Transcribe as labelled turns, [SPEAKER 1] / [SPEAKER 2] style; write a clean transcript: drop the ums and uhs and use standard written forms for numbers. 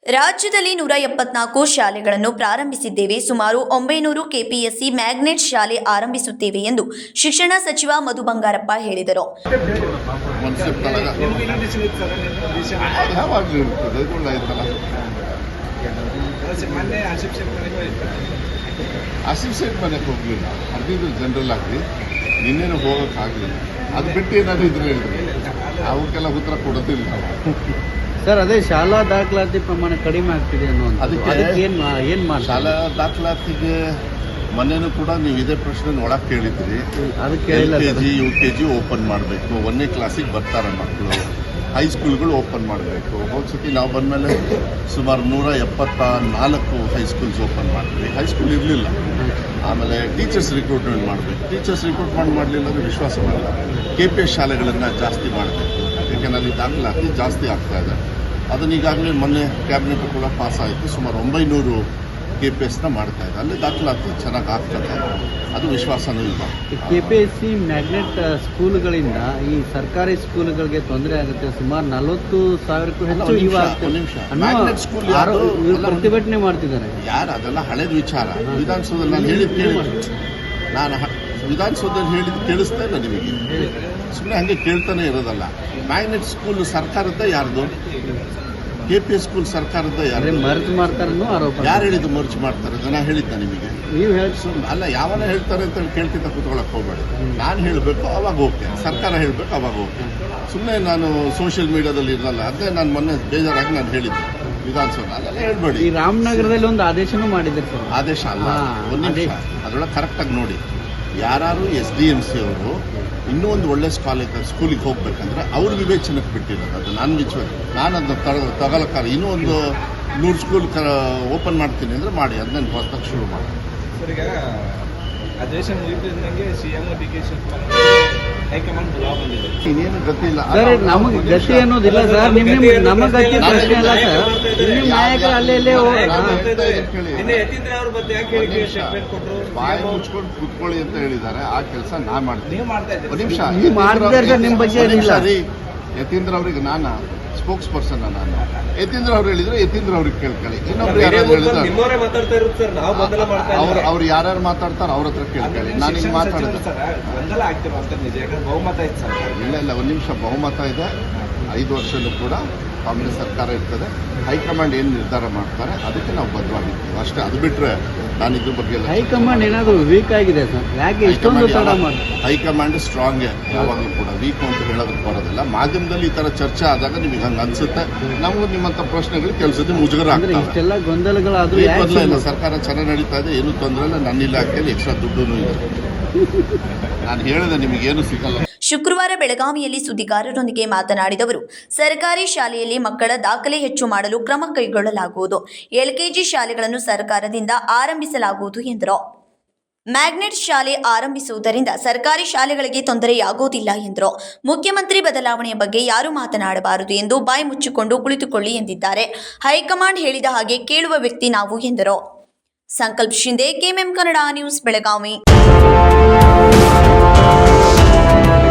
[SPEAKER 1] ರಾಜ್ಯದಲ್ಲಿ 174 ಶಾಲೆಗಳನ್ನು ಪ್ರಾರಂಭಿಸಿದ್ದೇವೆ. ಸುಮಾರು 900 ಕೆಪಿಎಸ್ಸಿ ಮ್ಯಾಗ್ನೆಟ್ ಶಾಲೆ ಆರಂಭಿಸುತ್ತೇವೆ ಎಂದು ಶಿಕ್ಷಣ ಸಚಿವ ಮಧು ಬಂಗಾರಪ್ಪ ಹೇಳಿದರು.
[SPEAKER 2] ಆಸಿಫ್ ಸೇಠ್ ಮನೆಗೆ ಹೋಗಲಿಲ್ಲ, ಅರ್ಧಿದ್ರು ಜನರಲ್ ಆಗಿ ನಿನ್ನೇನು ಹೋಗೋಕ್ಕಾಗಲಿಲ್ಲ. ಅದು ಬಿಟ್ಟು ಏನಾದರೂ ಇದ್ರೆ ಹೇಳಿದ್ರೆ ಅವಕ್ಕೆಲ್ಲ ಉತ್ತರ ಕೊಡೋದಿಲ್ಲ
[SPEAKER 3] ಸರ್. ಅದೇ ಶಾಲಾ ದಾಖಲಾತಿ ಪ್ರಮಾಣ ಕಡಿಮೆ ಆಗ್ತಿದೆ ಅದಕ್ಕೆ ಏನು ಮಾಡಿ ಶಾಲಾ
[SPEAKER 2] ದಾಖಲಾತಿಗೆ ಮೊನ್ನೆನೂ ಕೂಡ ನೀವು ಇದೇ ಪ್ರಶ್ನೆ ಒಳಗೆ ಕೇಳಿದ್ರಿ.
[SPEAKER 3] ಅದಕ್ಕೆ
[SPEAKER 2] LKG UKG ಓಪನ್ ಮಾಡಬೇಕು, 1ನೇ ಕ್ಲಾಸಿಗೆ ಬರ್ತಾರೆ ಮಕ್ಕಳು. ಹೈಸ್ಕೂಲ್ಗಳು ಓಪನ್ ಮಾಡಬೇಕು. ಹೋದ್ಸತಿ ನಾವು ಬಂದಮೇಲೆ ಸುಮಾರು 174 ಹೈಸ್ಕೂಲ್ಸ್ ಓಪನ್ ಮಾಡಿದ್ವಿ. ಹೈಸ್ಕೂಲ್ ಇರಲಿಲ್ಲ. ಆಮೇಲೆ ಟೀಚರ್ಸ್ ರಿಕ್ರೂಟ್ಮೆಂಟ್ ಮಾಡಬೇಕು. ಟೀಚರ್ಸ್ ರಿಕ್ರೂಟ್ಮೆಂಟ್ ಮಾಡಲಿಲ್ಲ ಅಂದರೆ ವಿಶ್ವಾಸ ಮಾಡಲ್ಲ. KPS ಶಾಲೆಗಳನ್ನು ಜಾಸ್ತಿ ಮಾಡಬೇಕು, ಯಾಕೆಂದರೆ ಅಲ್ಲಿ ದಾಖಲಾತಿ ಜಾಸ್ತಿ ಆಗ್ತಾ ಇದೆ. ಅದನ್ನು ಈಗಾಗಲೇ ಮೊನ್ನೆ ಕ್ಯಾಬಿನೆಟ್ ಕೂಡ ಪಾಸ್ ಆಯಿತು. ಸುಮಾರು 900 KPSನ ಮಾಡ್ತಾ ಇದೆ. ಅಲ್ಲಿ ದಾಖಲಾತಿ ಚೆನ್ನಾಗಿ ಆಗ್ತದೆ, ಅದು ವಿಶ್ವಾಸನೂ ಇಲ್ಲ.
[SPEAKER 3] KPSC ಮ್ಯಾಗ್ನೆಟ್ ಸ್ಕೂಲ್ಗಳಿಂದ ಈ ಸರ್ಕಾರಿ ಸ್ಕೂಲ್ಗಳಿಗೆ ತೊಂದರೆ ಆಗುತ್ತೆ. ಸುಮಾರು 40,000ಕ್ಕೂ ಹೆಚ್ಚು
[SPEAKER 2] ಮ್ಯಾಗ್ನೆಟ್ ಸ್ಕೂಲ್
[SPEAKER 3] ಪ್ರತಿಭಟನೆ ಮಾಡ್ತಿದ್ದಾರೆ.
[SPEAKER 2] ಯಾರು ಅದೆಲ್ಲ ಹಳೇದು ವಿಚಾರ. ವಿಧಾನಸೌಧದಲ್ಲಿ ನಾನು ಹೇಳಿದ್ದು ಕೇಳಿಸ್ತಾ ಇಲ್ಲ ನಿಮಗೆ. ಸುಮ್ಮನೆ ಹಾಗೆ ಕೇಳ್ತಾನೆ ಇರೋದಲ್ಲ. ಮ್ಯಾಗ್ನೆಟ್ ಸ್ಕೂಲ್ ಸರ್ಕಾರದ ಯಾರ್ದು? KPS ಸ್ಕೂಲ್ ಸರ್ಕಾರದ ಯಾರು?
[SPEAKER 3] ಮರ್ಜ್ ಮಾಡ್ತಾರೆ ಆರೋಪ.
[SPEAKER 2] ಯಾರು ಹೇಳಿದ್ದು ಮರ್ಜ್ ಮಾಡ್ತಾರೆ? ಜನ ಹೇಳಿದ್ದ ನಿಮಗೆ?
[SPEAKER 3] ನೀವು
[SPEAKER 2] ಅಲ್ಲ, ಯಾವನ ಹೇಳ್ತಾರೆ ಅಂತ ಕೇಳ್ತಿದ್ದ ಕೂತ್ಕೊಳ್ಳೋಕೆ ಹೋಗಬೇಡಿ. ನಾನು ಹೇಳಬೇಕು ಅವಾಗ ಓಕೆ, ಸರ್ಕಾರ ಹೇಳಬೇಕು ಅವಾಗ ಓಕೆ. ಸುಮ್ಮನೆ ನಾನು ಸೋಷಿಯಲ್ ಮೀಡಿಯಾದಲ್ಲಿ ಇರಲ್ಲ. ಅದೇ ನಾನು ಮೊನ್ನೆ ಬೇಜಾರಾಗಿ ನಾನು ಹೇಳಿದ್ದೆ ವಿಧಾನಸೌಧ, ಅದೆಲ್ಲ ಹೇಳ್ಬೇಡಿ.
[SPEAKER 3] ಈ ರಾಮನಗರದಲ್ಲಿ ಒಂದು ಆದೇಶನೂ ಮಾಡಿದ್ದಾರೆ ಸರ್.
[SPEAKER 2] ಆದೇಶ ಅಲ್ಲ, ಒಂದು ನಿಮಿಷ ಅದರೊಳಗೆ ಕರೆಕ್ಟಾಗಿ ನೋಡಿ. ಯಾರು SDMC ಅವರು ಇನ್ನೂ ಒಂದು ಒಳ್ಳೆ ಸ್ಕೂಲಿಗೆ ಹೋಗ್ಬೇಕಂದ್ರೆ ಅವ್ರ ವಿವೇಚನಕ್ಕೆ ಬಿಟ್ಟಿರೋದು. ಅದು ನಾನು ಅದನ್ನ ತಗೊಳಕ್ಕಾಗ ಇನ್ನೂ ಒಂದು 100 ಸ್ಕೂಲ್ ಓಪನ್ ಮಾಡ್ತೀನಿ ಅಂದರೆ ಮಾಡಿ, ಅದನ್ನ ಹೊಸದಾಗಿ ಶುರು ಮಾಡಿ.
[SPEAKER 4] ಅಧಿವೇಶನ ಮುಗಿದಂಗೆ CM DK ಹೈಕಮಾಂಡ್ ಬಂದಿದೆ.
[SPEAKER 2] ಇನ್ನೇನು ಗತಿ ಇಲ್ಲ
[SPEAKER 3] ಸರ್. ನಮಗೆ ಗತಿ ಅನ್ನೋದಿಲ್ಲ ಸರ್. ನಮ್ಮ ಗತಿ ಪ್ರಶ್ನೆ ಅಲ್ಲ ಸರ್. ನಿಮ್ಮ ನಾಯಕರು ಅಲ್ಲೇ
[SPEAKER 2] ಬಾಯಿ ಮುಚ್ಕೊಂಡು ಕೂತ್ಕೊಳ್ಳಿ ಅಂತ ಹೇಳಿದ್ದಾರೆ. ಆ ಕೆಲಸ ನಾ ಮಾಡ್ತೀನಿ. ಒಂದು ನಿಮಿಷ,
[SPEAKER 3] ನಿಮ್ಮ ಬಗ್ಗೆ
[SPEAKER 2] ಯತೀಂದ್ರ ಅವ್ರಿಗೆ ನಾನು ಸ್ಪೋಕ್ಸ್ ಪರ್ಸನ್. ನಾನು ಯತೀಂದ್ರ ಅವ್ರು ಹೇಳಿದ್ರೆ ಯತೀಂದ್ರ ಅವ್ರಿಗೆ ಕೇಳ್ಕೊಳ್ಳಿ. ಇನ್ನೊಬ್ರು ಯಾರು ಹೇಳಿದ್ರೆ ಅವ್ರು ಯಾರ್ಯಾರು ಮಾತಾಡ್ತಾರೆ ಅವ್ರ ಹತ್ರ ಕೇಳ್ಕೊಳ್ಳಿ. ನಾನು ಹಿಂಗೆ ಮಾತಾಡಿದೆ. ಇಲ್ಲ, ಒಂದು ನಿಮಿಷ. ಬಹುಮತ ಇದೆ. 5 ವರ್ಷದಲ್ಲೂ ಕೂಡ ಕಾಂಗ್ರೆಸ್ ಸರ್ಕಾರ ಇರ್ತದೆ. ಹೈಕಮಾಂಡ್ ಏನು ನಿರ್ಧಾರ ಮಾಡ್ತಾರೆ ಅದಕ್ಕೆ ನಾವು ಬದ್ಧವಾಗಿರ್ತೀವಿ ಅಷ್ಟೇ. ಅದು ಬಿಟ್ಟರೆ ನಾನು ಇದ್ರ ಬಗ್ಗೆ
[SPEAKER 3] ಹೈಕಮಾಂಡ್ ಏನಾದರೂ ವೀಕ್ ಆಗಿದೆ ಸರ್? ಯಾಕೆ ಇಷ್ಟೊಂದು ತಡ ಮಾಡಿ?
[SPEAKER 2] ಹೈಕಮಾಂಡ್ ಸ್ಟ್ರಾಂಗ್ ಯಾವಾಗಲೂ ಕೂಡ, ವೀಕ್ ಅಂತ ಹೇಳೋದಕ್ಕೆ ಬರೋದಿಲ್ಲ. ಮಾಧ್ಯಮದಲ್ಲಿ ಈ ಥರ ಚರ್ಚೆ ಆದಾಗ ನಿಮಗೆ ಹಂಗೆ ಅನ್ಸುತ್ತೆ. ನಮಗೂ ನಿಮ್ಮಂಥ ಪ್ರಶ್ನೆಗಳು ಕೆಲಸದ ಮುಜುಗರ ಆಗ್ತದೆ.
[SPEAKER 3] ಇಷ್ಟೆಲ್ಲ ಗೊಂದಲಗಳಾದರೂ
[SPEAKER 2] ಇಲ್ಲ, ಸರ್ಕಾರ ಚೆನ್ನಾಗಿ ನಡೀತಾ ಇದೆ, ಏನೂ ತೊಂದರೆ ಇಲ್ಲ. ನನ್ನ ಇಲಾಖೆಯಲ್ಲಿ ಎಕ್ಸ್ಟ್ರಾ ದುಡ್ಡು ಇದೆ. ನಾನು ಹೇಳಿದೆ ನಿಮಗೇನು ಸಿಗಲ್ಲ.
[SPEAKER 1] ಶುಕ್ರವಾರ ಬೆಳಗಾವಿಯಲ್ಲಿ ಸುದ್ದಿಗಾರರೊಂದಿಗೆ ಮಾತನಾಡಿದವರು, ಸರ್ಕಾರಿ ಶಾಲೆಯಲ್ಲಿ ಮಕ್ಕಳ ದಾಖಲೆ ಹೆಚ್ಚು ಮಾಡಲು ಕ್ರಮ ಕೈಗೊಳ್ಳಲಾಗುವುದು. LKG ಶಾಲೆಗಳನ್ನು ಸರ್ಕಾರದಿಂದ ಆರಂಭಿಸಲಾಗುವುದು ಎಂದರು. ಮ್ಯಾಗ್ನೆಟ್ ಶಾಲೆ ಆರಂಭಿಸುವುದರಿಂದ ಸರ್ಕಾರಿ ಶಾಲೆಗಳಿಗೆ ತೊಂದರೆಯಾಗುವುದಿಲ್ಲ ಎಂದರು. ಮುಖ್ಯಮಂತ್ರಿ ಬದಲಾವಣೆಯ ಬಗ್ಗೆ ಯಾರು ಮಾತನಾಡಬಾರದು ಎಂದು ಬಾಯಿ ಮುಚ್ಚಿಕೊಂಡು ಕುಳಿತುಕೊಳ್ಳಿ ಎಂದಿದ್ದಾರೆ. ಹೈಕಮಾಂಡ್ ಹೇಳಿದ ಹಾಗೆ ಕೇಳುವ ವ್ಯಕ್ತಿ ನಾವು ಎಂದರು. Sankalp Shinde, KMM Kannada news, Belagavi.